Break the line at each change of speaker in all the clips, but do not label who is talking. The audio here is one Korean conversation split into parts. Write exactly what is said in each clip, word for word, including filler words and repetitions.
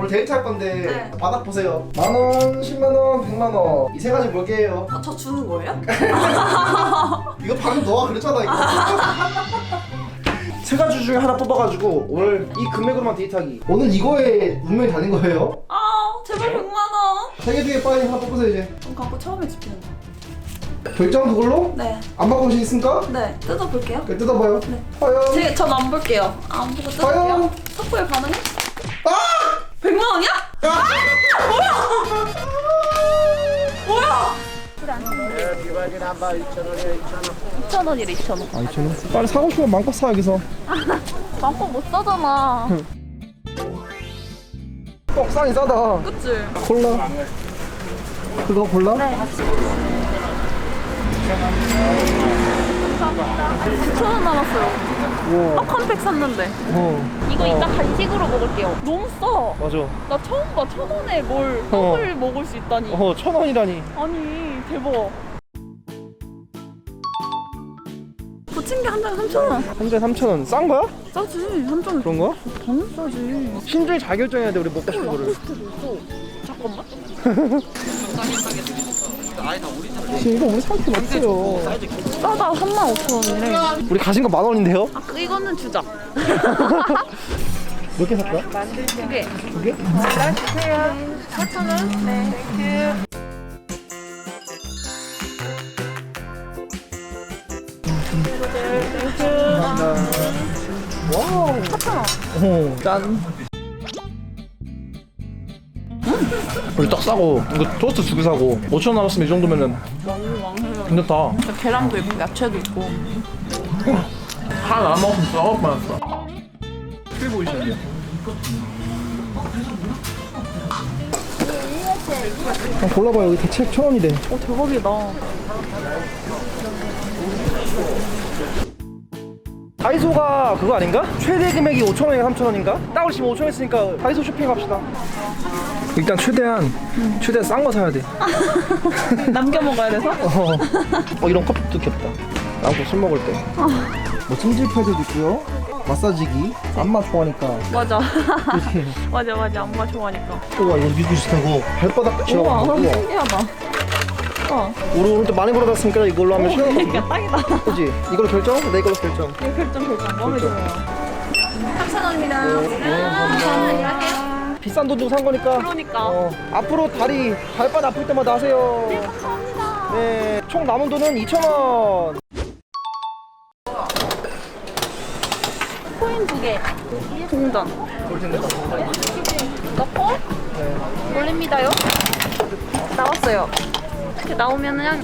오늘 데이트 할 건데
네.
바닥 보세요. 만 원, 십만 원, 백만 원. 이 세 가지 뭘게요?
아, 저 주는 거예요?
이거 방금 너가 그랬잖아 이거. 세 가지 중에 하나 뽑아가지고 오늘 이 금액으로만 데이트하기. 오늘 이거에 운명이 달린 거예요.
아 제발 백만 원.
세 개 중에 빨리 하나 뽑으세요 이제.
돈 갖고 처음에 집히는 거.
결정 그걸로?
네.
안 바꿔보시겠습니까?
네. 뜯어볼게요.
그래, 뜯어봐요.
네.
과연?
제, 전 안 볼게요. 안 보고 뜯을게요.
과연?
삭발 가능해?
아!
백만 원이야?
아!
뭐야? 뭐야? 이천 원이래 이천 원.
아 이천 원? 빨리 사고 싶으면 마음껏 사 여기서.
마음껏 못 사잖아.
떡상이 싸다.
그치?
콜라. 그거 골라?
네. 구천 원 남았어요.
우와.
딱 한 팩 샀는데.
어.
이거
어.
이따 간식으로 먹을게요. 너무 싸.
맞아.
나 처음 봐. 천 원에 뭘
어.
떡을 먹을 수 있다니.
어, 천 원이라니.
아니 대박. 부침개 한 장에 삼천 원.
한 잔에 삼천 원. 싼 거야?
싸지. 한 장에.
그런 거야?
당연 싸지.
신중히 잘 결정해야 돼 우리 먹고 싶은 거를.
라코스테도 있어. 잠깐만.
지금 이거 우리 상품 없어요.
싸다. 삼만 오천 원이래.
우리 가진 거 만 원인데요?
아 그, 이거는 주자.
몇 개 살까?
두 개.
두 개?
주세요. 사천 원. 네. 땡큐.
와우.
사천 원.
어, 짠. 우리 떡 싸고 이거 토스트 두 개 사고 오천 원 남았으면 이 정도면은 괜찮다.
계란도 있고 야채도 있고.
하나 안 먹으면 싸울 뻔했어. 크게 보이시는데요? 아, 골라봐요. 여기 대체 천 원이래.
어 대박이다.
다이소가 그거 아닌가? 최대 금액이 오천 원인가 삼천 원인가? 딱을 지금 오천 원 했으니까 다이소 쇼핑 갑시다. 일단 최대한 음. 최대한 싼 거 사야 돼.
남겨 먹어야 돼서?
어, 어 이런 컵도 귀엽다. 나도 술 먹을 때. 뭐 찜질 패드도 있고요. 마사지기. 안마 좋아하니까.
맞아.
이렇게.
맞아 맞아. 엄마 좋아하니까.
우와 이거 미국 비슷하고 발바닥 붙여.
우와 신기하다. 어.
우리 오늘 또 많이 걸어놨으니까 이걸로 하면 쉬워.
그러니까 딱이다.
그지? 이걸로 결정? 내 이걸로 결정.
이거 결정 결정. 마음에 들어요. 삼천 원입니다. 감사합니다.
비싼 돈 주고 산 거니까.
그러니까.
어, 앞으로 다리 발바닥 아플 때마다 하세요.
네 감사합니다.
네, 총 남은 돈은 이천 원.
코인 두 개. 동전. 넣고 올립니다요. 나왔어요. 이렇게 나오면은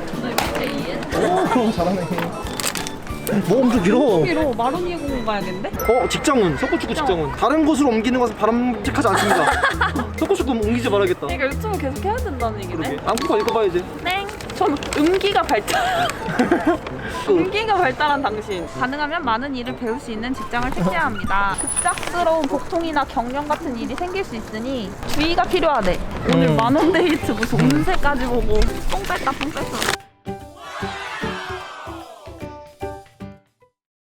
오, 잘하네. 뭐 엄청 길어.
여기로 마로니에 공원 가야겠는데?
어, 직장운, 석고축구 직장운. 다른 곳으로 옮기는 것은 바람직하지 않습니다. 석고축구 옮기지 말아야겠다.
그러니까 유튜브 계속 해야 된다는 얘기네.
안고 읽어봐야지.
땡. 전 음기가 발달. 음기가 발달한 당신. 가능하면 많은 일을 배울 수 있는 직장을 택해야 합니다. 급작스러운 복통이나 경련 같은 일이 생길 수 있으니 주의가 필요하대. 오늘
음.
만원 데이트 무슨 운세까지 보고 똥 뺐다 똥 뺐어.